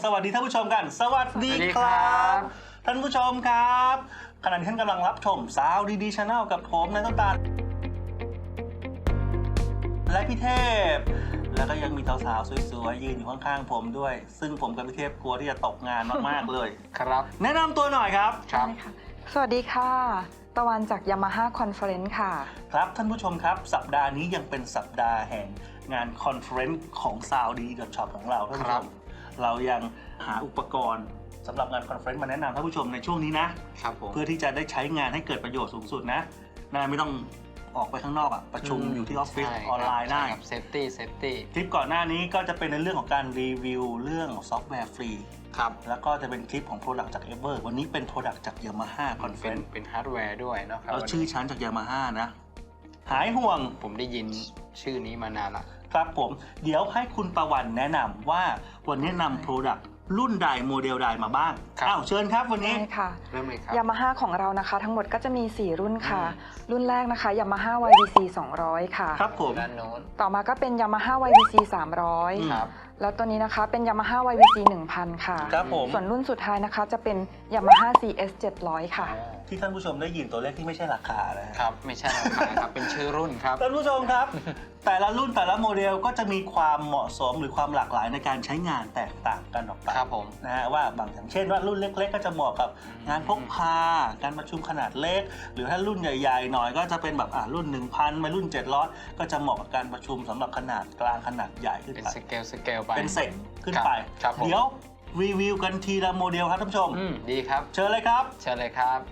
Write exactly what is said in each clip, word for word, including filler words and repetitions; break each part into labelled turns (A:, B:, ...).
A: วัสดีท่านผู้ชมกันสวัสดีครับท่านผู้ชมครับขณะที่ท่านกำลังรับชมสาวดีๆ Channel กับผมนายต้นตาลและพี่เทพแล้วก็ยังมีสาวๆสวยๆยืนอยู่ข้างๆผมด้วยซึ่งผมกับพี่เทพกลัวที่จะตกงานมากๆเลย
B: ครับ
A: แนะนำตัวหน่อยครับ
B: ครับ
C: สวัสดีค่ะตะวันจาก Yamaha Conference ค่ะ
A: ครับท่านผู้ชมครับสัปดาห์นี้ยังเป็นสัปดาห์แห่งงานคอนเฟอเรนซ์ของ Sound ดี .shop ของเราท่านผู้ชมเรายังหาอุปกรณ์สำหรับงานคอนเฟอเรนซ์มาแนะนำท่านผู้ชมในช่วงนี้นะครับเพื่อที่จะได้ใช้งานให้เกิดประโยชน์สูงสุดนะนะไม่ต้องออกไปข้างนอกอะประชุมอยู่ที่ออฟฟิศออนไลน์ได้
B: เซฟตี้เซฟตี้
A: คลิปก่อนหน้านี้ก็จะเป็นในเรื่องของการรีวิวเรื่องซอฟต์แวร์ฟรี
B: ครับ
A: แล้วก็จะเป็นคลิปของ Product จาก Ever วันนี้เป็น Product จาก Yamaha
B: เป็น
A: Conference
B: เป็นฮาร์ดแวร์ด้วยนะครับ
A: แล้วชื่อชั้นจาก Yamaha นะหายห่วง
B: ผมได้ยินชื่อนี้มานานละ
A: ครับผมเดี๋ยวให้คุณประวันแนะนำว่าวันนี้นำ Product รุ่นใดโมเดลใดมาบ้างอ้าวเชิญครับวันนี้
C: ใช่ค่ะ
B: เริ่มเลยครับ
C: Yamaha ของเรานะคะทั้งหมดก็จะมี สี่ รุ่นค่ะ รุ่นแรกนะคะ Yamaha วาย วี ซี สองร้อย ค่ะ
A: ครับผม
B: ด้านโน้น
C: ต่อมาก็เป็น Yamaha วาย วี ซี สามร้อย
A: ครับ
C: แล้วตัวนี้นะคะเป็น Yamaha วาย วี ซี หนึ่งพัน ค่ะ
A: ครับผม
C: ส่วนรุ่นสุดท้ายนะคะจะเป็น Yamaha ซี เอส เจ็ดร้อย ค่ะ
A: ที่ท่านผู้ชมได้ยินตัวเลขที่ไม่ใช่ราคานะครับ
B: ไม่ใช่ราคาครับเป็นชื่อรุ่นครับ
A: ท่านผู้ชมครับ แต่ละรุ่นแต่ละโมเดลก็จะมีความเหมาะสมหรือความหลากหลายในการใช้งานแตกต่างกันออกไป
B: ครับผม
A: นะฮะว่าบางอย่างเช่นว่ารุ่นเล็กๆก็จะเหมาะกับงานพกพาการประชุมขนาดเล็กหรือถ้ารุ่นใหญ่ๆหน่อยก็จะเป็นแบบอ่ารุ่น หนึ่งพัน ไปรุ่นเจ็ดร้อยก็จะเหมาะกับการประชุมสำหรับขนาดกลางขนาดใหญ่ขึ้น
B: เป็น
A: ไป
B: สเกลสเกลไป
A: เป็นเซกขึ้นไปเดี๋ยวรีวิวกันทีละโมเดลครับท่านผู้ชม
B: อืมดีครับ
A: เชิญเลยครับ
B: เชิญเลยครับ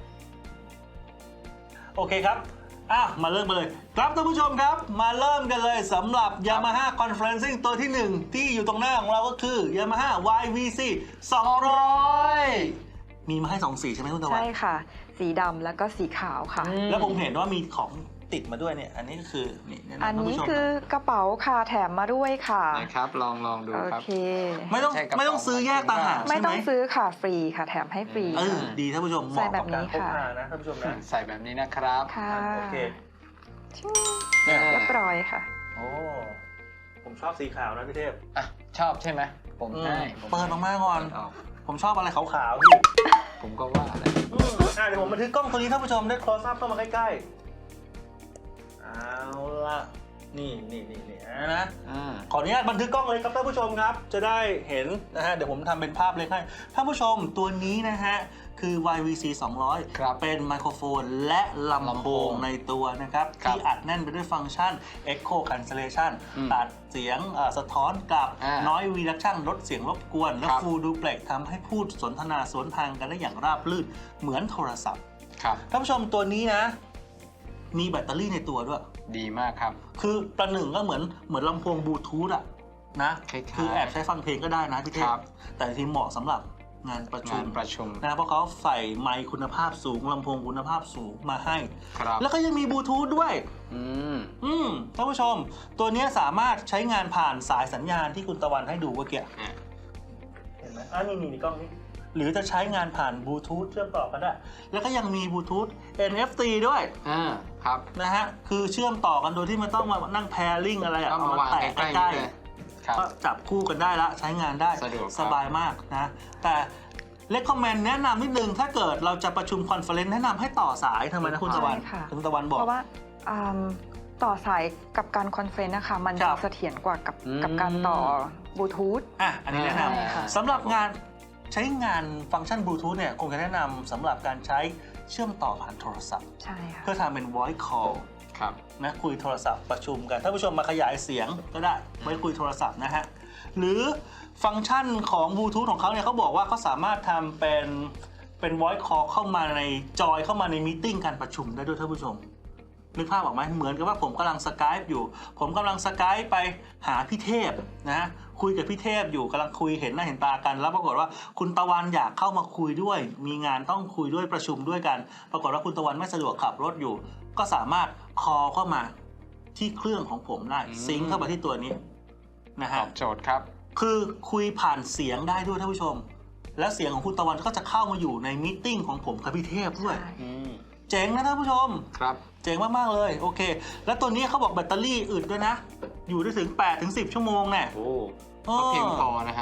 A: โอเคครับอ่ะมาเริ่มกันเลยครับท่านผู้ชมครับมาเริ่มกันเลยสำหรับ Yamaha Conferencing ตัวที่หนึ่งที่อยู่ตรงหน้าของเราก็คือ Yamaha วาย วี ซี สองร้อยมีมาให้สองสีใช่ไหมคุณตะวัน
C: ใช่ค่ะสีดำแล้วก็สีขาวค่ะ
A: แล้วผมเห็นว่ามีของติดมาด้วยเนี่ยอันนี้ก็คือนี่
C: อันนี้คือกระเป๋าค่ะแถมมาด้วยค่ะ
B: นะครับลองลองดูครับ
C: โอเค
A: ไม่ต้องไม่ต้องซื้อแยกต่างหาก
C: ไม่ต้องซื้อค่ะฟรีค่ะแถมให้ฟรี
A: เออดีท่านผู้ชมเหมาะกับการพกพานะท่านผู้ชมนะ
B: ใส่แบบนี้นะครับ
C: ค่ะ
A: โอเค
C: เรียบร้อยค่ะ
A: โอ้ผมชอบสีขาวนะพี่เทพ
B: อ่ะชอบใช่ไหมผมให้
A: เปิดออกมาก่อนผมชอบอะไรขาวๆพี่
B: ผมก็ว่าอะไร
A: อ่ะเดี๋ยวผมบันทึกกล้องตัวนี้ท่านผู้ชมได้ close up เข้ามาใกล้ๆเอาละนี่นี่นี่นี่นะขออนุญาตบันทึกกล้องเลยครับท่านผู้ชมครับจะได้เห็นนะฮะเดี๋ยวผมทำเป็นภาพเล็กให้ท่านผู้ชมตัวนี้นะฮะคือ วาย วี ซี สองร้อย เป็นไมโครโฟนและลำโพงในตัวนะครับที่อัดแน่นไปด้วยฟังก์ชัน Echo Cancellation ตัดเสียงสะท้อนกลับ Noise Reduction ลดเสียงรบกวนและ Full Duplex ทำให้พูดสนทนาสวนทางกันได้อย่างราบรื่นเหมือนโทรศัพท์ท่านผู้ชมตัวนี้นะมีแบตเตอรี่ในตัวด้วย
B: ดีมากครับ
A: คือประหนึ่งก็เหมือนเหมือนลำโพงบลูทูธอะนะคือแอบใช้ฟังเพลงก็ได้นะพี่เทพแต่ที่เหมาะสำหรับงานประชุม
B: ประชุม
A: นะเพราะเขาใส่ไมค์คุณภาพสูงลำโพงคุณภาพสูงมาให้แล้วก็ยังมีบลูทูธด้วยอืมอืมท่านผู้ชมตัวนี้สามารถใช้งานผ่านสายสัญญาณที่คุณตะวันให้ดูเมื่อกี้เห็นไหมอ่ะนี่นี่กล้องนี้หรือจะใช้งานผ่านบลูทูธเชื่อมต่อกันได้แล้วก็ยังมีบลูทูธ เอ็น เอฟ ซี ด้วย
B: อ่าครับ
A: นะฮะคือเชื่อมต่อกันโดยที่ไม่ต้องมานั่งแพร์ลิงอะไรอ่ะ
B: เอามาแตะใกล้ๆ
A: ก็จับคู่กันได้ละใช้งานได้สบายมากนะแต่เลคคอมเมนต์แนะนำนิดนึงถ้าเกิดเราจะประชุมคอนเฟอเรนซ์แนะนำให้ต่อสายทำไมนะคุณตะวันคุณตะวันบอก
C: เพราะว่าต่อสายกับการคอนเฟอเรนซ์นะคะมันจะเสถียรกว่ากับกับการต่อบลูทูธ
A: อ่ะอันนี้แนะนำสำหรับงานใช้งานฟังก์ชันบลูทูธเนี่ยคงจะแนะนำสำหรับการใช้เชื่อมต่อผ่านโทรศัพท์
C: ใช่ค่ะ
A: เพื่อทำเป็น voice call
B: ครับ
A: นะคุยโทรศัพท์ประชุมกันถ้าผู้ชมมาขยายเสียงก็ได้ไว้คุยโทรศัพท์นะฮะหรือฟังก์ชันของบลูทูธของเขาเนี่ยเขาบอกว่าเขาสามารถทำเป็นเป็น voice call เข้ามาในจอยเข้ามาในมีตติ้งการประชุมได้ด้วยท่านผู้ชมนึกภาพออกไหมเหมือนกับว่าผมกำลังสกายป์อยู่ผมกำลังสกายป์ไปหาพี่เทพนะคุยกับพี่เทพอยู่กำลังคุยเห็นหน้าเห็นตากันแล้วปรากฏว่าคุณตะวันอยากเข้ามาคุยด้วยมีงานต้องคุยด้วยประชุมด้วยกันปรากฏว่าคุณตะวันไม่สะดวกขับรถอยู่ก็สามารถคอลเข้ามาที่เครื่องของผมได้ซิงค์เข้ามาที่ตัวนี้นะฮะ
B: ตอบโจทย์ครับ
A: คือคุยผ่านเสียงได้ด้วยท่านผู้ชมแล้วเสียงของคุณตะวันก็จะเข้ามาอยู่ในมีตติ้งของผมกับพี่เทพด้วยเจ๋งนะท่านผู้ชม
B: ครับ
A: เจ๋งมากๆเลยโอเคแล้วตัวนี้เขาบอกแบตเตอรี่อึดด้วยนะอยู่ได้ถึง แปดถึงสิบ ชั่วโมงแน่
B: โอ้ก็เพียงพอนะครับ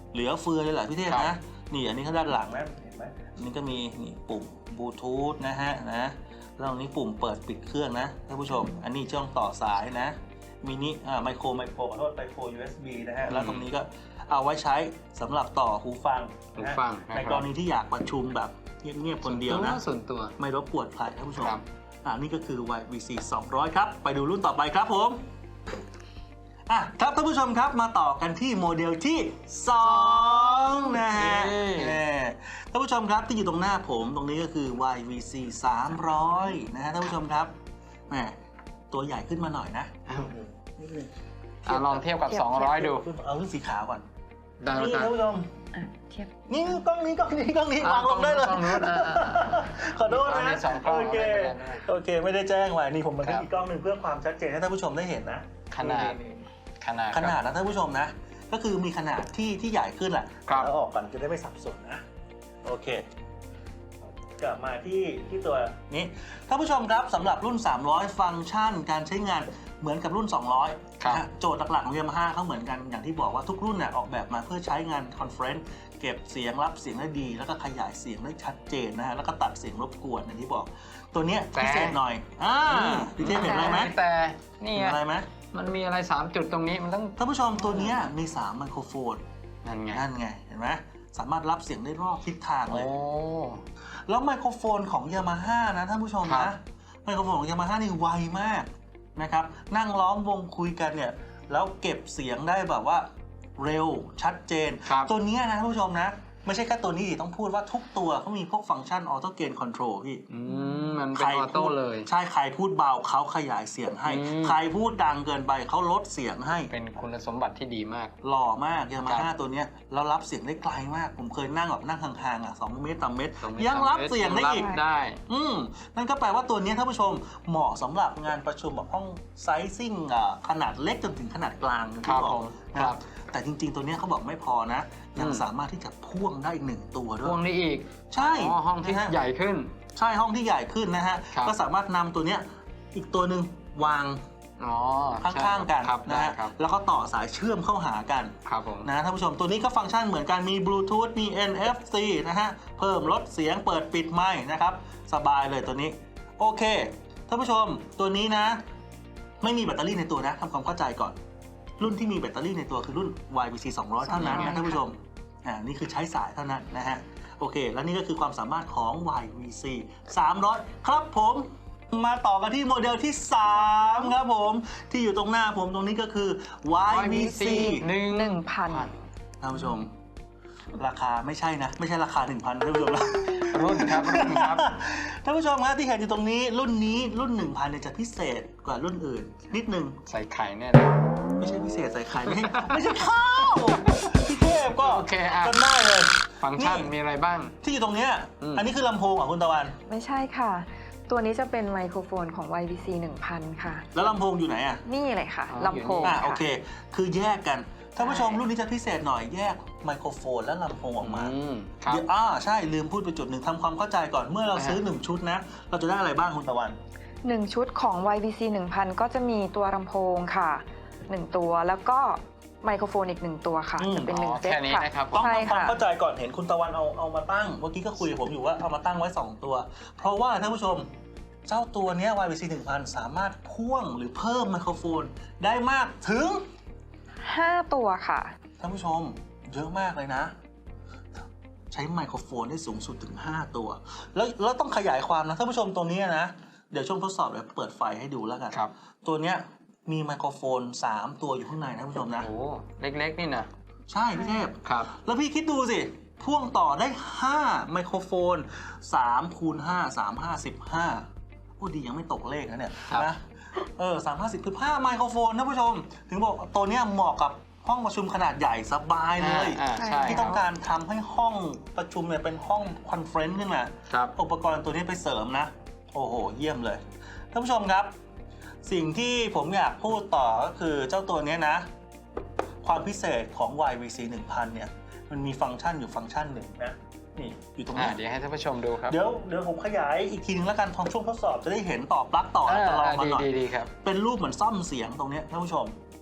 A: เหลือเฟือเลยแหละพี่เทพ
B: ครั
A: นะ
B: บ
A: นี่อันนี้ข้างด้านหลังนะเห็นไหมอันนี้ก็มีนี่ปุ่มบลูทูธนะฮะนะแล้วตรงนี้ปุ่มเปิดปิดเครื่องนะท่านผู้ชม อันนี้ช่องต่อสายนะมินิอ่าไมโครไมโครขอโทษไมโคร ยู เอส บี นะฮะแล้วตรงนี้ก็เอาไว้ใช้สำหรับต่อหูฟัง
B: หู
A: นะฮะ
B: ฟัง
A: ในกรณีที่อยากประชุมแบบเงียบๆคนเดียวนะ
B: ส่วนตัว
A: ไม่รบกวนใครท่านผู้ชม
B: ครับ
A: อ่านี่ก็คือ วาย วี ซี สองร้อย ครับ ไปดูรุ่นต่อไปครับผมอ่ะครับท่านผู้ชมครับมาต่อกันที่โมเดลที่สองนะฮะ
B: เย้
A: แน่ท่านผู้ชมครับที่อยู่ตรงหน้าผมตรงนี้ก็คือ วาย วี ซี สามร้อย นะฮะท่านผู้ชมครับแหมตัวใหญ่ขึ้นมาหน่อยนะ
B: อ้าว
A: นิดนึง
B: อ่ะลองเทียบกับ สองร้อย ดู
A: เอารุ่นสีขาวก่อน
B: ได้แล้ว
A: นี่
B: กัน
A: ท่านผู้ชม
C: อ่ะเทียบ
A: นี่กล้องนี้กล้องนี้กล้องนี้
B: อ่ะ
A: วางลงได้เลย
B: กล้องนู้นอ่ะอ่ะอ่ะ
A: ขอโทษ
B: มี
A: นะ
B: สองกล้อง
A: โอเค
B: ไม่เป็นไรไม่เป็นไร
A: โอเคไม่ได้แจ้งไว้นี่ผมบันทึก
B: ครับ
A: อีกกล้องหนึ่งเพื่อความชัดเจนให้ท่านผู้ชมได้เห็นนะ
B: ขนาด
A: นี่
B: ขนาด
A: ขนาดนะท่านผู้ชมนะ ก็คือมีขนาดที่ที่ใหญ่ขึ้นแหละ
B: ครับ
A: แล้วออกก่อนจะได้ไม่สับสนนะโอเคกลับมาที่ที่ตัวนี้ท่านผู้ชมครับสำหรับรุ่น สามร้อย ฟังก์ชันการใช้งานเหมือนกับรุ่น สองร้อย
B: ครับ
A: นะฮะโจทย์หลักๆของ Yamaha เขาเหมือนกันอย่างที่บอกว่าทุกรุ่นเนี่ยออกแบบมาเพื่อใช้งานคอนเฟรนซ์เก็บเสียงรับเสียงได้ดี แล้วก็ขยายเสียงได้ชัดเจนนะฮะแล้วก็ตัดเสียงรบกวนอย่างที่บอก ตัวเนี้ย
B: แต่
A: พิเศษหน่อยอ่าพี่เทพเห็นอะไรไหม
B: แต่นี่
A: เห็น
B: ไง
A: อะไรไหม
B: มันมีอะไรสามจุดตรงนี้มันต้อง
A: ท่านผู้ชมตัวเนี้ยมีสามไมโครโฟน
B: นั่นไง
A: นั่นไงเห็นไหมสามารถรับเสียงได้รอบทิศทางเล
B: โอ้
A: ย แล้วไมโครโฟนของ Yamaha นะท่านผู้ชม
B: ครั
A: นะ
B: บ
A: ไมโครโฟนของ Yamaha นี่ไวมากนะครับนั่งล้อมวงคุยกันเนี่ยแล้วเก็บเสียงได้แบบว่าเร็วชัดเจน
B: ครับ
A: ตัวเนี้ยนะท่านผู้ชมนะไม่ใช่แค่ตัวนี้ดิต้องพูดว่าทุกตัวเขามีพวกฟังก์ชันออโต้เกนคอนโทรลพี่
B: อืมมันเป็นออโต้เลย
A: ใช่ใครพูดเบาเขาขยายเสียงให้
B: อืม
A: ใครพูดดังเกินไปเขาลดเสียงให้
B: เป็นคุณสมบัติที่ดีมาก
A: หล่อมากยามา
B: ครั
A: ฮ่า
B: บ
A: ตัวเนี้ยแล้วรับเสียงได้ไกลมาก ผมเคยนั่งแบบนั่งห่างๆอ่ะสองเมตรต่อเมตร
B: ตรงนี้
A: ยังรับเสียงได้
B: รับ
A: อีก
B: ได้
A: อืมนั่นก็แปลว่าตัวเนี้ยท่านผู้ชมเหมาะสำหรับงานประชุมแบบห้องไซซิ่งอ่ะขนาดเล็กจนถึงขนาดกลางอย่าง
B: ครั
A: ที่
B: บ
A: บอก
B: ผม
A: นะครับ แต่จริงๆ ตัวเนี้ยเขาบอกไม่พอนะ ยัง
B: อืม
A: สามารถที่จะพ่วงได้อีกหนึ่งตัวด้
B: พว
A: ว
B: ง
A: ย
B: นี้อีก
A: ใช่
B: อ๋อห้องที่
A: นะฮะ
B: ใหญ่ขึ้น
A: ใช่ห้องที่ใหญ่ขึ้นนะฮะ
B: ครับ
A: ก็สามารถนำตัวเนี้ยอีกตัวหนึ่งวาง
B: อ๋อ
A: ข้างๆกัน
B: ครับ
A: นะ
B: ได้
A: ฮะ
B: ครับ
A: แล้วก็ต่อสายเชื่อมเข้าหากัน
B: ครับผม
A: นะท่านผู้ชมตัวนี้ก็ฟังก์ชันเหมือนกันมีบลูทูธมี เอ็น เอฟ ซี นะฮะเพิ่มลดเสียงเปิดปิดไมค์นะครับสบายเลยตัวนี้โอเคท่านผู้ชมตัวนี้นะ ไม่มีแบตเตอรี่ในตัวนะทำความเข้าใจก่อน รุ่นที่มีแบตเตอรี่ในตัวคือรุ่น วาย วี ซี สองร้อย เท่านั้นนะท่านผู้ชมอ่านี่คือใช้สายเท่านั้นนะฮะโอเค แล้วนี่ก็คือความสามารถของ วาย วี ซี สามร้อย ครับผมมาต่อกันที่โมเดลที่สามครับผมที่อยู่ตรงหน้าผมตรงนี้ก็คือ วาย วี ซี
B: หนึ่ง
C: หนึ่งพัน
A: ท่านผู้ชม ราคาไม่ใช่นะ ไม่ใช่ราคา หนึ่งพัน ท่านผู้ชมนะ
B: รุ่นครับรุ่นครับ
A: ท่านผู้ชมครับที่เห็นอยู่ตรงนี้รุ่นนี้รุ่น หนึ่งพัน เนี่ยจะพิเศษกว่ารุ่นอื่น นิดนึง
B: ใส่ไข่แน่เลย
A: ไม่ใช่พิเศษใส่ไข่ไม่ใช่ไม่ใช่ข้าวพี่เทพก็
B: โอเคอ่ะ
A: จำได้เลย
B: ฟังก์ชันมีอะไรบ้าง
A: ที่อยู่ตรงเนี้ย
B: อืม
A: อันนี้คือลำโพงเหรอคุณตะวัน
C: ไม่ใช่ค่ะ ตัวนี้จะเป็นไมโครโฟนของ วาย วี ซี หนึ่งพัน ค่ะ
A: แล้วลำโพงอยู่ไหนอ่ะ
C: นี่เลยค่ะ
B: อ๋อ
C: ลำโพง
A: อ่ะ
C: ค่ะ
A: โอเค คือแยกกันท่านผู้ชม
C: ใช่
A: รุ่นนี้จะพิเศษหน่อยแยกไมโครโฟนและลำโพงออกมา
B: อืมครับ
A: เดี๋ยวอ่าใช่ลืมพูดไปจุดหนึ่งทำความเข้าใจก่อนเมื่อเราซื้อหนึ่งชุดนะ เราจะได้อะไรบ้างคุณตะวัน
C: หนึ่งชุดของ วาย วี ซี หนึ่งพัน ก็จะมีตัวลำโพงค่ะหนึ่งตัวแล้วก็ไมโครโฟนอีกหนึ่งตัวค่ะ
A: อืม
C: จะเป็นหนึ่ง
B: อ๋อ
C: เซต
B: แค่นี้
C: ค่ะ
B: นะครับ
A: ต้อง
C: ใช่
A: ทำความ
C: ค่ะ
A: เข้าใจก่อนเห็นคุณตะวันเอาเอามาตั้งเมื่อกี้ก็คุยกับผมอยู่ว่าเอามาตั้งไว้สองตัว เพราะว่าท่านผู้ชมเจ้าตัวเนี้ย วาย วี ซี หนึ่งพัน สามารถพ่วงหรือเพิ่มไมโครโฟนได้มากถึง
C: ห้าตัวค่ะ
A: ท่านผู้ชมเยอะมากเลยนะ ใช้ไมโครโฟนได้สูงสุดถึงห้าตัว แล้วแล้วต้องขยายความนะท่านผู้ชมตัวเนี้ยนะเดี๋ยวช่วงทดสอบเดี๋ยวเปิดไฟให้ดูแล้วกัน
B: ครับ
A: ตัวเนี้ยมีไมโครโฟนสามตัวอยู่ข้างในนะท่านผู้ชมนะ
B: โอ้เล็กๆนี่นะ
A: ใช่พี่เทพ
B: ครับ
A: แล้วพี่คิดดูสิ พ่วงต่อได้ห้าไมโครโฟนสามคูณห้า สาม ห้า สิบห้าโอ้ดียังไม่ตกเลขนะเนี่ย
B: ครับ
A: นะเออสามห้าสิบคือห้าไมโครโฟนท่านผู้ชม ถึงบอกตัวเนี้ยเหมาะกับห้องประชุมขนาดใหญ่สบายเลย
B: อ่าอ่าใช่
A: ที่ต้องการทำให้ห้องประชุมเนี่ยเป็นห้องคอนเฟรนซ์ขึ้นมา
B: ครับ
A: อุปกรณ์ตัวนี้ไปเสริมนะ โอ้โห เยี่ยมเลย ท่านผู้ชมครับ สิ่งที่ผมอยากพูดต่อก็คือเจ้าตัวนี้นะ ความพิเศษของ วาย วี ซี หนึ่งพัน เนี่ย มันมีฟังก์ชันอยู่ฟังก์ชันหนึ่งนะ นี่ อยู่ตรง
B: อ่า
A: นี้
B: เดี๋ยวให้ท่านผู้ชมดูครับ
A: เดี๋ยวเดี๋ยวผมขยายอีกทีนึงแล้วกันทองช่วงทดสอบจะได้เห็นต่อปลั๊กต่อ
B: อ่า
A: จะลองมา
B: ดี
A: หน่อย
B: ดีดีครับ
A: เป็นรูปเหมือนซ่อมเสียงตรงเนี้ยท่านผู้ชม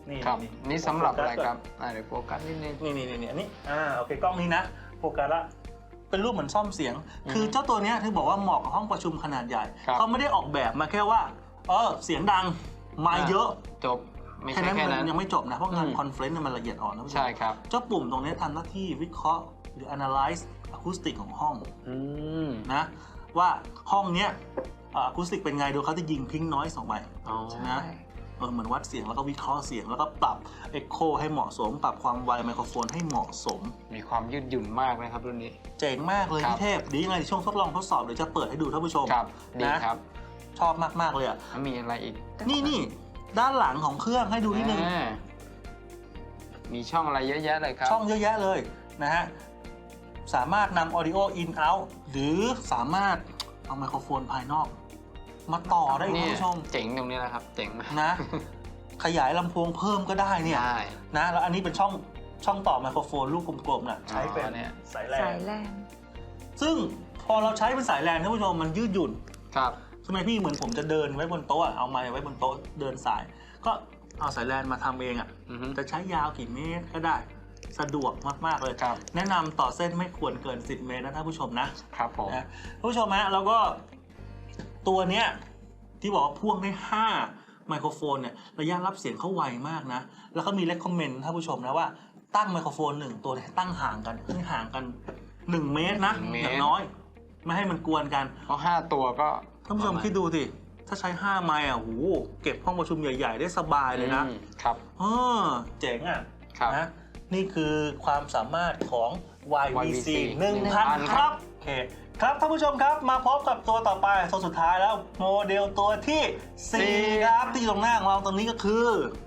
A: นี่
B: ครับ
A: นี่
B: นี่สำหรับอะไรครับอ่าเดี๋ยวโฟกัสนิดนึง
A: นี่นี่นี่นี่อันนี้อ่าโอเคกล้องนี้นะโฟกัสละเป็นรูปเหมือนซ่อมเสียง
B: อืม
A: คือเจ้าตัวเนี้ยที่บอกว่าเหมาะกับห้องประชุมขนาดใหญ่
B: ครับ
A: เขาไม่ได้ออกแบบมาแค่ว่าเออเสียงดังไมค์เยอะ
B: จบไม่
A: แค่
B: ใช่
A: นั้น
B: แค่
A: มั
B: นั้น
A: นยังไม่จบนะเพราะงาน
B: อืม
A: คอนเฟรนซ์มันละเอียดอ่อนนะผู้ชม
B: ใช่ครับ
A: เจ้าปุ่มตรงนี้ทำหน้าที่วิเคราะห์หรือ analyze อะคูสติกของห้อง
B: อืม
A: นะว่าห้องเนี้ยอะคูสติกเป็นไงโดยเขาจะยิงพิงน้อยสองใบ
B: อ๋อ
A: นะเออเหมือนวัดเสียงแล้วก็วิเคราะห์เสียงแล้วก็ปรับเอ็กโคให้เหมาะสม ปรับความไวไมโครโฟนให้เหมาะสม
B: มีความยืดหยุ่นมากนะครับรุ่นนี้
A: เจ๋งมากเลย
B: ครับ
A: พี่เทพดียังไงในช่วงทดลองทดสอบเดี๋ยวจะเปิดให้ดูท่านผู้ชม
B: ครับดี
A: นะครับ ชอบมากๆเลยอ่ะ
B: แล้วมีอะไรอีก
A: นี่นี่ด้านหลังของเครื่องให้ดูนิดนึง
B: อ่ามีช่องอะไรเยอะแยะเลยครับ
A: ช่องเยอะแยะเลยนะฮะสามารถนำ audio in out หรือสามารถเอาไมโครโฟนภายนอก มาต่อได้อีก
B: นี่
A: ท่านผู้ชม
B: เจ๋งตรงนี้แหละครับ เจ๋งมาก
A: นะ ขยายลำโพงเพิ่มก็ได้เนี่ย
B: ได้
A: นะแล้วอันนี้เป็นช่องช่องต่อไมโครโฟนลูกกลมๆน่ะใช้เป็น
B: อ๋อเนี่ย
A: สายแล
C: สาน ยแลน
A: ซึ่งพอเราใช้เป็นสายแลนท่านผู้ชมมันยืดหยุ่น
B: ครับ
A: ทำไมพี่เหมือนผมจะเดินไว้บนโต๊ะอะเอาไม้ไว้บนโต๊ะเดินสาย ก็เอาสายแลนมาทำเองอ่ะ
B: อือฮึ
A: จะใช้ยาวกี่เมตรก็ได้สะดวกมากๆเลย
B: ครับ
A: แนะนำต่อเส้นไม่ควรเกินสิบเมตรนะท่านผู้ชมนะครับ
B: ผม
A: นะท่านผู้ชมฮะแล้วก็ตัวเนี้ยที่บอกว่าพ่วงได้ห้าไมโครโฟนเนี่ยระยะรับเสียงเขาไวมากนะ แล้วก็มีเลคคอมเมนต์ท่านผู้ชมนะว่าตั้งไมโครโฟนหนึ่งตัวเนี่ยตั้งห่างกันให้ห่างกันหนึ่งเมตรนะ
B: หนึ่งเมตร
A: อย่างน้อย ไม่ให้มันกวนกัน
B: เพราะห้าตัวก็
A: ท่านผู้ชมคิดดูสิถ้าใช้ห้าไมค์อ่ะโหเก็บห้องประชุมใหญ่ๆ ได้สบายเลยนะ
B: อืมครับ
A: เออเจ๋งอ่ะ
B: ครับ
A: นะนี่คือความสามารถของ วาย วี ซี
B: วาย วี ซี
A: หนึ่งพัน ครับโอเคครับท่านผู้ชมครับมาพบกับตัวต่อไปตัวสุดท้ายแล้วโมเดลตัวที่สี่ครับที่อยู่ตรงหน้าของเราตรงนี้ก็คือ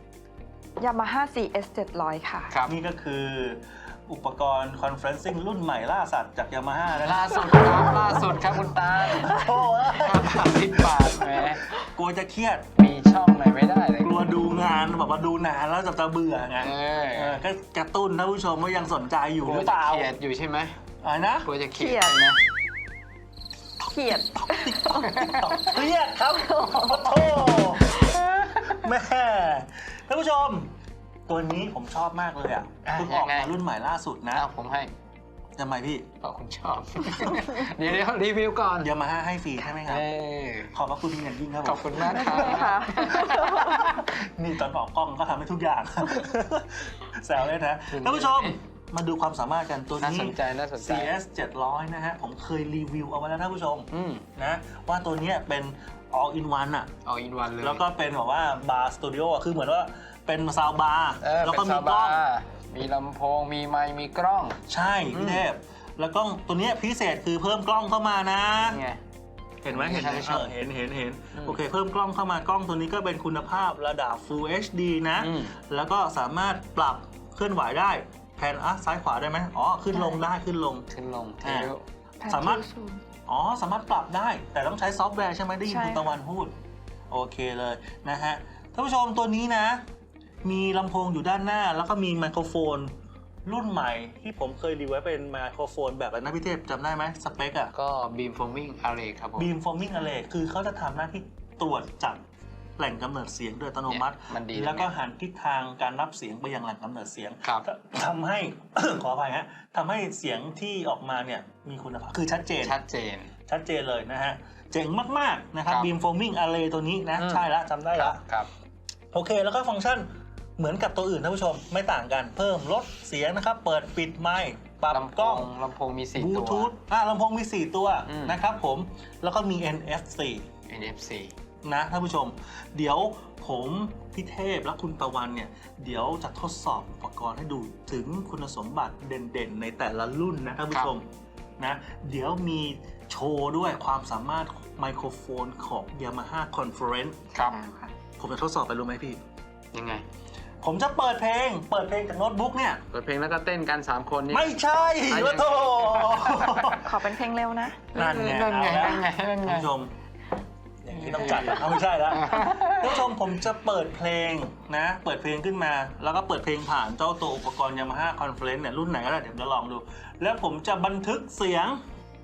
C: Yamaha ซี เอส เจ็ดร้อย ค่ะ
B: ครับ
A: นี่ก็คืออุปกรณ์คอนเฟรนซิ่งรุ่นใหม่ล่าสัตว์จากยามาฮ่านะ
B: ล่าสุดครับล่าสุดครับคุณตา
A: โอ้ย
B: สามสิบบาทแหม
A: กลัวจะเครียด
B: มีช่องไหนไม่ได้เลย
A: กลัวดูงานแบบว่าดูนานแล้วจะจะเบื่อไง
B: เออ
A: เออก็กระตุ้นท่านผู้ชมว่ายังสนใจอยู่
B: กลั
A: ห
B: ว
A: รือ
B: จะ
A: เปล่า
B: เขียดอยู่ใช่ไหม
A: อะไรนะ
B: กลัวจะเขีย
C: เขีย
B: ด
C: ด
B: ใช่ไหม
C: เขียด
A: เครียดครับโอ้โหแม่ท่านผู้ชม ตัวนี้ผมชอบมากเลยอ่ะ
B: อ่ะ
A: เพิ่งออก
B: ยัง
A: มา
B: ไง
A: รุ่นใหม่ล่าสุดนะ
B: อ้าวผมให้
A: ทำไมพี่
B: เพราะคุณชอบ เดี๋ยวเดี๋ยวรีวิวก่อน
A: ยามาฮ่าให้ฟรีใช่ไหมครับ
B: เออ
A: ขอบพระคุณเป็นอย่างยิ่งครับผม
B: ขอบคุณมากครับ
C: ค่ะ
A: นี่ตอนออกกล้องก็ทำให้ทุกอย่าง แซวเลยนะท่านผู้ชมมาดูความสามารถกันตัว
B: น่า
A: นี้
B: สนใจน่าสนใจ
A: ซี เอส เจ็ดร้อย นะฮะ ผมเคยรีวิวเอาไว้แล้วท่านผู้ชม
B: อืม
A: นะว่าตัวเนี้ยเป็น all in one อ่ะ
B: เอาอินวันเลย
A: แล้วก็เป็นแบบว่าบาร์สตูดิโอคือเหมือนว่าเป็นซาวบาร์
B: เออ
A: แล้ว
B: เป็
A: ก็
B: น
A: มี
B: ซาว
A: กล้
B: บา
A: อง
B: ร์มีลำโพง มีไมค์มีกล้อง
A: ใช่พี่เทพแล้วกล้องตัวเนี้ยพิเศษคือเพิ่มกล้องเข้ามานะ
B: นี่ไง
A: เห็นไหมเห็นไหม
B: ท่านผู้ชม
A: เออเห็นเห็นเห็น
B: อืม
A: โอเคเพิ่มกล้องเข้ามากล้องตัวนี้ก็เป็นคุณภาพระดับ Full เอช ดี นะ
B: อืม
A: แล้วก็สามารถปรับเคลื่อนไหวได้แผนอ่ะซ้ายขวาได้ไหมอ๋อขึ้นลงได้ขึ้นลง
B: ขึ้นลงเท
A: อ่า
B: ล
A: สามารถ อ๋อสามารถปรับได้แต่ต้องใช้ซอฟต์แวร์ใช่ไหมได้ยิน
C: ใช่
A: คุณตะวันพูด โอเคเลยนะฮะท่านผู้ชมตัวนี้นะ มีลำโพงอยู่ด้านหน้า แล้วก็มีไมโครโฟน รุ่นใหม่ที่ผมเคยรีวิวไว้เป็นไมโครโฟนแบบอะไรนะพี่เทพจำได้ไหมสเปคอะ
B: ก็บีมโฟมิงอาร์เรย์ครับผม
A: บีมฟอร์มิ g ง Array คือเขาจะทำหน้าที่ตรวจจับแหล่งกำเนิดเสียงโดยอัตโนมัติ
B: เนี่ยมันดี
A: แล้วก็
B: ตรงเนี้ย
A: หันทิศทางการรับเสียงไปยังแหล่งกำเนิดเสียง
B: ครับ
A: ทำให้ ขออภัยฮะทำให้เสียงที่ออกมาเนี่ยมีคุณภาพคือชัดเจน
B: ชัดเจน
A: ชัดเจนเลยนะฮะ เจ๋งมาก ๆ นะครับ
B: ครับ
A: beamforming array ตัวนี้นะ
B: อืม
A: ใช่แล้วจำได้
B: ค
A: แล้
B: รั
A: ว
B: บครับ
A: โอเค แล้วก็ฟังก์ชันเหมือนกับตัวอื่นท่านผู้ชมไม่ต่างกัน เพิ่มลดเสียงนะครับ เปิดปิดไมค์ปรับ
B: ลำโพ
A: กล้อง
B: งลำโพงมีสี่
A: บลู
B: ตัว
A: ทูธอ่ะลำโพงมี สี่ ตัว
B: อืม
A: นะครับผม แล้วก็มี เอ็น เอฟ ซี
B: เอ็น เอฟ ซี
A: นะท่านผู้ชม เดี๋ยวผมพี่เทพและคุณตะวันเนี่ย เดี๋ยวจะทดสอบอุปกรณ์ให้ดูถึงคุณสมบัติเด่นๆ ในแต่ละรุ่นนะท่านผู้ชมนะเดี๋ยวมีโชว์ด้วยความสามารถไมโครโฟนของ Yamaha Conference
B: ครับ
C: ค่ะ
A: ผมจะทดสอบไปรู้ไหมพี่
B: ยังไง
A: ผมจะเปิดเพลง เปิดเพลงจากโน้ตบุ๊กเนี่ย
B: เปิดเพลงแล้วก็เต้นกันสามคนนี่
A: ไม่ใช่
B: อ่ะ
A: วะโธ่
C: ขอเป็นเพลงเร็วนะ
A: นั่นไง
B: นั่นไง
A: เอาละ
B: นั่นไงนั่นไง
A: ท่านผู้ชม อย่างที่ต้องจัดเอาไม่ใช่แล้วท่านผู้ชมผมจะเปิดเพลงนะ เปิดเพลงขึ้นมา แล้วก็เปิดเพลงผ่านเจ้าตัวอุปกรณ์ Yamaha Conference เนี่ยรุ่นไหนก็ได้เดี๋ยวจะลองดู แล้วผมจะบันทึกเสียง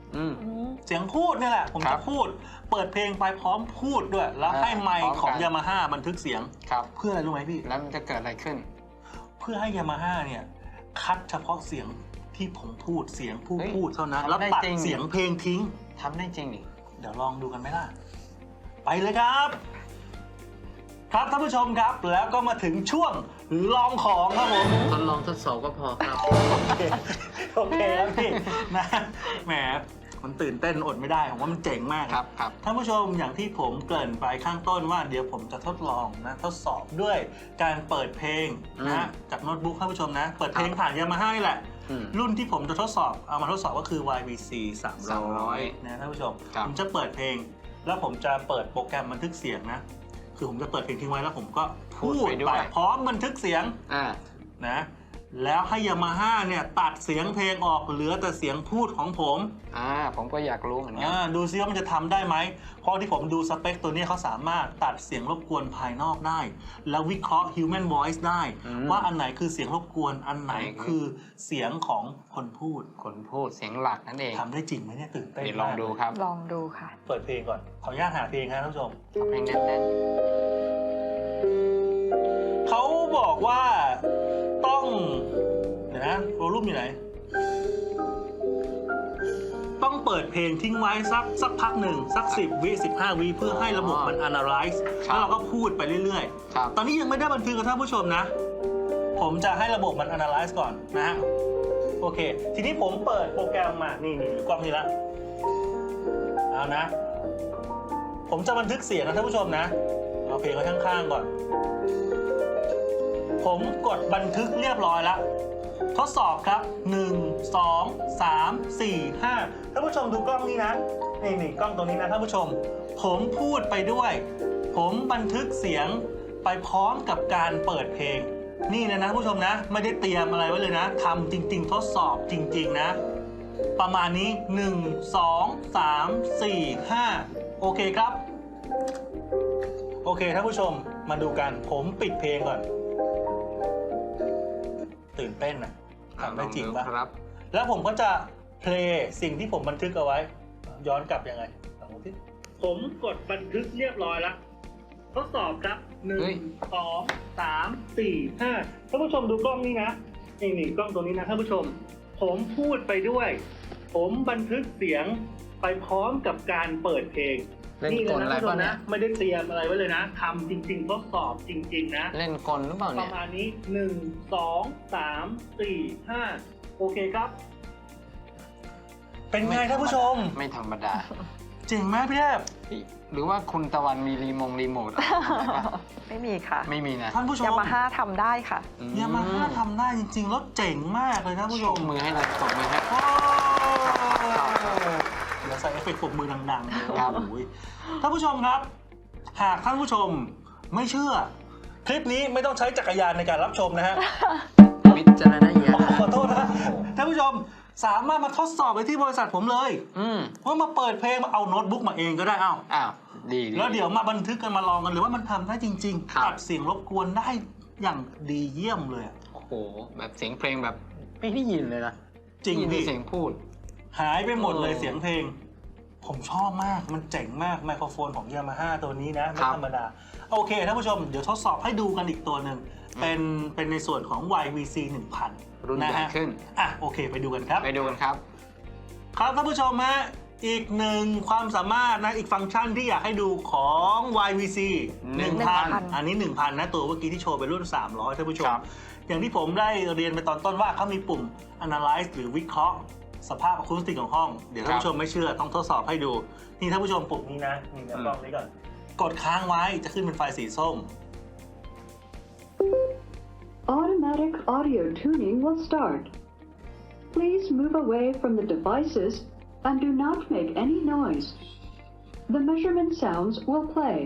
B: อืม
A: เสียงพูดนี่แหละผม
B: ครั
A: จะ
B: บ
A: พูดเปิดเพลงไปพร้อมพูดด้วย แล้วให้ไม
B: พร้อ
A: ค์
B: ม
A: ของ
B: กัน
A: ยามาฮ่าบันทึกเสียง
B: ครับ
A: เพื่ออะไรรู้ไหมพี่
B: แล้วมันจะเกิดอะไรขึ้น
A: เพื่อให้ยามาฮ่าเนี่ยคัดเฉพาะเสียงที่ผมพูดเสียงผู้
B: เฮ้ย
A: พูดเท่านั้น
B: ทำ
A: แล้ว
B: ได้
A: ตัด
B: จริง
A: เสียงเพลงทิ้ง
B: ทำได้จริงดิ
A: เดี๋ยวลองดูกันไหมล่ะ ไปเลยครับ ครับท่านผู้ชมครับ แล้วก็มาถึงช่วงลองของครับผม
B: ทดลองทดสอบก็พอครับ
A: โอเคโอเคครับพี่นะแหมมันตื่นเต้นอดไม่ได้ผมว่ามันเจ๋งมาก
B: ครับครับ
A: ท่านผู้ชมอย่างที่ผมเกริ่นไปข้างต้นว่าเดี๋ยวผมจะทดลองนะทดสอบด้วยการเปิดเพลงนะจากโน้ตบุ๊กท่านผู้ชมนะ เปิดเพลงผ่านยามาฮ่านี่แหละ
B: อืม
A: รุ่นที่ผมจะทดสอบเอามาทดสอบก็คือ วาย วี ซี สามร้อย
B: สามร้อย
A: นะท่านผู้ชม
B: ครับ
A: ผมจะเปิดเพลง แล้วผมจะเปิดโปรแกรมบันทึกเสียงนะ คือผมจะเปิดเพลงทิ้งไว้แล้วผมก็พูดไปพร้อมบันทึกเสียง
B: อ่า
A: นะแล้วให้ยามาฮ่าเนี่ยตัดเสียงเพลงออกเหลือแต่เสียงพูดของผม
B: อ่า ผมก็อยากรู้เหมือนกัน
A: อ่าดูซิว่ามันจะทำได้ไหมเพราะที่ผมดูสเปคตัวนี้เขาสามารถตัดเสียงรบกวนภายนอกได้ แล้ววิเคราะห์ human voice ได้ ว่าอันไหนคือเสียงรบกวนอันไหนคือเสียงของคนพูด
B: คนพูดเสียงหลักนั่นเอง
A: ทำได้จริงไหมเนี่ยตื่นเต้น
B: เดี๋ยวลองดูครับ
C: ลองดูค่ะ
A: เปิดเพลงก่อนขออนุญาตหาเพลงครับท่านผู้ชม
B: เอาเพลงแน่น
A: เขาบอกว่าต้องเดี๋ยวนะโวลูมอยู่ไหน ต้องเปิดเพลงทิ้งไว้สักสักพักหนึ่งสักสิบวิสิบห้าวิเพื่อให้ระบบมัน analyze แล้วเราก็พูดไปเรื่อย
B: ๆครับ
A: ๆ ตอนนี้ยังไม่ได้บันทึกกับท่านผู้ชมนะ ผมจะให้ระบบมัน analyze ก่อนนะฮะโอเค ทีนี้ผมเปิดโปรแกรมมานี่นี่กล้องนี้ละเอานะ ผมจะบันทึกเสียงนะท่านผู้ชมนะเอาเพลงไว้ข้างๆก่อน ผมกดบันทึกเรียบร้อยแล้วทดสอบครับหนึ่ง สอง สาม สี่ ห้าท่านผู้ชมดูกล้องนี้นะนี่นี่กล้องตรงนี้นะท่านผู้ชม ผมพูดไปด้วย ผมบันทึกเสียงไปพร้อมกับการเปิดเพลง นี่นะนะท่านผู้ชมนะ ไม่ได้เตรียมอะไรไว้เลยนะทำจริงๆ ทดสอบจริงๆนะ ประมาณนี้หนึ่ง สอง สาม สี่ ห้าโอเคครับ โอเคท่านผู้ชมมาดูกันผมปิดเพลงก่อน ตื่นเต้นนะทำได้จริงปะ
B: ครับ
A: แล้วผมก็จะเพลย์สิ่งที่ผมบันทึกเอาไว้ ย้อนกลับยังไงลองดูสิผมกดบันทึกเรียบร้อยแล้วทดสอบครับหนึ่
B: เฮ้
A: ง
B: ย
A: สองสามสี่ห้าท่านผู้ชมดูกล้องนี้นะนี่นี่กล้องตัวนี้นะท่านผู้ชม ผมพูดไปด้วย ผมบันทึกเสียงไปพร้อมกับการเปิดเพลง
B: เล่น
A: นี่
B: ก
A: เลย
B: ล
A: นะ
B: อะไร
A: ท่านผู้ช
B: ป่ะ
A: ม
B: เนี่
A: นะ
B: ย
A: ไม่ได้เตรียมอะไรไว้เลยนะทำจริงๆทดสอบจริง ๆ นะ
B: เล่นกลหรือเปล่า
A: ป
B: เนี่
A: ระ
B: ย
A: มาณนี้ หนึ่ง สอง สาม สี่ ห้าโอเคครับ เป็นไงท่านผู้ชม
B: ไม่ธรรมดา
A: เจ๋งไหมพี่แทบ
B: หรือว่าคุณตะวันมีรีโมงรีโมทอะไรไหมครับ
C: ไม่มีค่ะ
B: ไม่มีนะ
A: ท่านผู้ชม
C: ยามาฮ่าทำได้ค่ะ
B: อื
A: ยามาฮ่าทำได้จริงๆแล้วเจ๋งมากเลยท่านผู้ช
B: ย
A: ม
B: กมือให้เลยตบมือให้
A: โอ้เดี๋ยวใส่เอฟเฟกต์ปรบมือดังๆเลย
B: ครับ
A: โอ้ยท่านผู้ชมครับ หากท่านผู้ชมไม่เชื่อ คลิปนี้ไม่ต้องใช้จักรยานในการรับชมนะฮะ
B: วิจารณญาณ
A: ขอโทษนะท่านผู้ชมสามารถมาทดสอบไปที่บริษัทผมเลย
B: อืม
A: ว่ามาเปิดเพลงมาเอาโน้ตบุ๊กมาเองก็ได้เอา
B: อ้าวดีดี
A: แล้วเดี๋ยวมาบันทึกกันมาลองกันหรือว่ามันทำได้จริง
B: ครับ
A: ๆตัดเสียงรบกวนได้อย่างดีเยี่ยมเลยอะ
B: โอ้โห แบบเสียงเพลงแบบไม่ได้ยินเลยนะ
A: จริง
B: ได้ยินแต่
A: พี่
B: เสียงพูด
A: หายไปหมดเลย
B: เออ
A: เสียงเพลง ผมชอบมากมันเจ๋งมากไมโครโฟนของยามาฮ่าตัวนี้นะไม่
B: ครับ
A: ธรรมดาโอเคท่านผู้ชมเดี๋ยวทดสอบให้ดูกันอีกตัวหนึ่งเป็นเป็นในส่วนของ วาย วี ซี หนึ่งพัน
B: รุ่น
A: นะ
B: ใหญ่
A: ฮะ
B: ขึ้น
A: อ่ะโอเคไปดูกันครับ
B: ไปดูกันครับ
A: ครับท่านผู้ชมฮะอีกหนึ่งความสามารถนะอีกฟังก์ชันที่อยากให้ดูของ วาย วี ซี หนึ่งพัน อันนี้ หนึ่งพัน นะตัวเมื่อกี้ที่โชว์เป็นรุ่น สามร้อยท่านผู้ชม
B: ครับ
A: อย่างที่ผมได้เรียนไปตอนต้นว่าเขามีปุ่ม analyze หรือวิเคราะห์สภาพอะคูสติกของห้อง เดี๋ยวท่านผู้ชมไม่เชื่อต้องทดสอบให้ดู นี่ท่านผู้ชมปุ่มนี้นะนี่เดี๋ยวกล้องนี้ก่อน กดค้างไว้จะขึ้นเป็นไฟสีส้ม
D: Automatic audio tuning will start. Please move away from the devices and do not make any noise. The measurement sounds will play.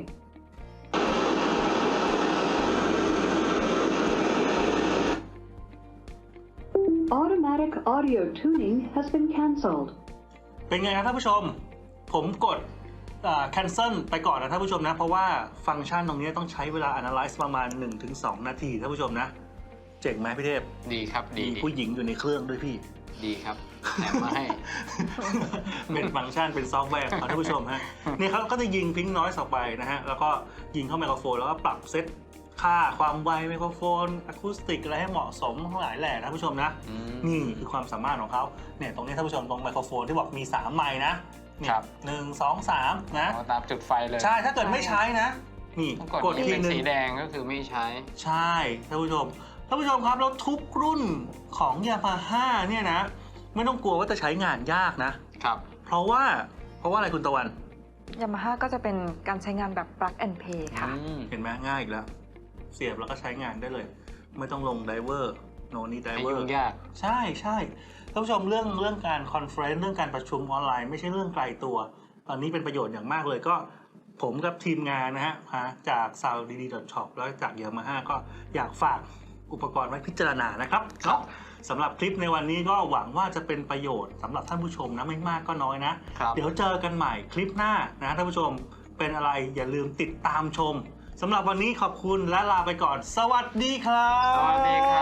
D: Automatic audio tuning has been cancelled.
A: เป็นไงครับท่านผู้ชม ผมกดอ่า cancel ไปก่อนนะท่านผู้ชมนะ เพราะว่าฟังก์ชันตรงนี้ต้องใช้เวลา analyze ประมาณ หนึ่งถึงสอง นาทีท่านผู้ชมนะ เจ๋งไหมพี่เทพ
B: ดีครับดี
A: มี
B: ดี
A: ผู้หญิงอยู่ในเครื่องด้วยพี่
B: ดีครับแถมมาให้
A: เป็นฟังก์ชันเป็นซอฟต์แวร์ของท่านผู้ชมฮะนี่เขาก็จะยิงพิงน้อยออกไปนะฮะแล้วก็ยิงเข้าไมโครโฟนแล้วก็ปรับเซตค่าความไวไมโครโฟนอะคูสติกอะไรให้เหมาะสมทั้งหลายแหล่นะท่านผู้ชมนะ
B: อืม
A: นี่คือความสามารถของเขาเนี่ยตรงนี้ท่านผู้ชมตรงไมโครโฟนที่บอกมีสามไมค์นะนี่
B: ครับ
A: หนึ่งสองสามนะ
B: เอาตามจุดไฟเลย
A: ใช่ถ้าเกิดไม่ใช้นะนี่
B: ถ้ากด
A: กด
B: ที่
A: ที
B: เป็น
A: หนึง
B: สีแดงก็คือไม่ใช้
A: ใช่ท่านผู้ชมท่านผู้ชมครับแล้วทุกรุ่นของยามาฮ่าเนี่ยนะไม่ต้องกลัวว่าจะใช้งานยากนะครับ เพราะว่าเพราะว่าอะไรคุณตะวัน
C: ยามาฮ่าก็จะเป็นการใช้งานแบบ plug and play ค่ะ
B: อืม
A: เห็นไหมง่ายอีกแล้ว เสียบแล้วก็ใช้งานได้เลย ไม่ต้องลงไดเวอร์โนนี่ได
B: ไม่
A: เวอ
B: ยุ่
A: ร์
B: งยาก
A: ใช่ใช่ท่านผู้ชมเรื่องเรื่องการคอนเฟรนซ์เรื่องการประชุมออนไลน์ไม่ใช่เรื่องไกลตัว ตอนนี้เป็นประโยชน์อย่างมากเลยก็ผมกับทีมงานนะฮะจาก ซาวด์ ดี ดี ดอท ช็อป แล้วจากยามาฮ่าก็อยากฝากอุปกรณ์ไว้พิจารณานะครับเนาะสำหรับคลิปในวันนี้ก็หวังว่าจะเป็นประโยชน์สำหรับท่านผู้ชมนะไม่มากก็น้อยนะ
B: ครับ
A: เดี๋ยวเจอกันใหม่คลิปหน้านะท่านผู้ชมเป็นอะไรอย่าลืมติดตามชมสำหรับวันนี้ขอบคุณและลาไปก่อน สวัสดีครับ
B: สวัสดีครับ